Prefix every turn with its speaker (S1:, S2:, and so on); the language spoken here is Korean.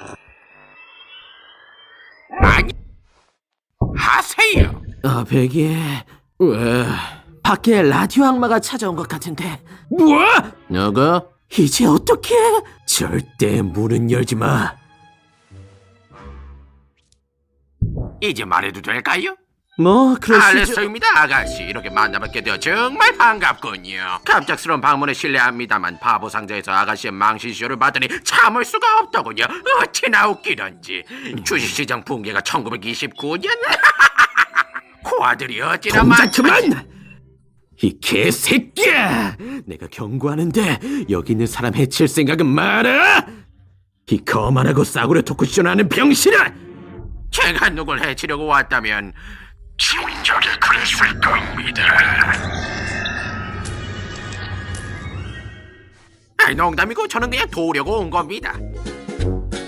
S1: 아니, 하세요.
S2: 베기, 왜? 밖에 라디오 악마가 찾아온 것 같은데.
S1: 뭐?
S2: 너가? 이제 어떡해? 절대 문은 열지 마.
S1: 이제 말해도 될까요?
S2: 뭐 그러시죠.
S1: 알렉스입니다, 아가씨. 이렇게 만나뵙게 되어 정말 반갑군요. 갑작스러운 방문에 실례합니다만 바보 상자에서 아가씨의 망신쇼를 봤더니 참을 수가 없더군요. 어찌나 웃기던지. 주식시장 붕괴가 1929년? 코아들이 어찌나
S2: 동작 그만! 이 개새끼야! 내가 경고하는데 여기 있는 사람 해칠 생각은 마라! 이 거만하고 싸구려 토크쇼하는 병신아!
S1: 제가 누굴 해치려고 왔다면 진작에 그랬을 겁니다. 아이, 농담이고 저는 그냥 도우려고 온 겁니다.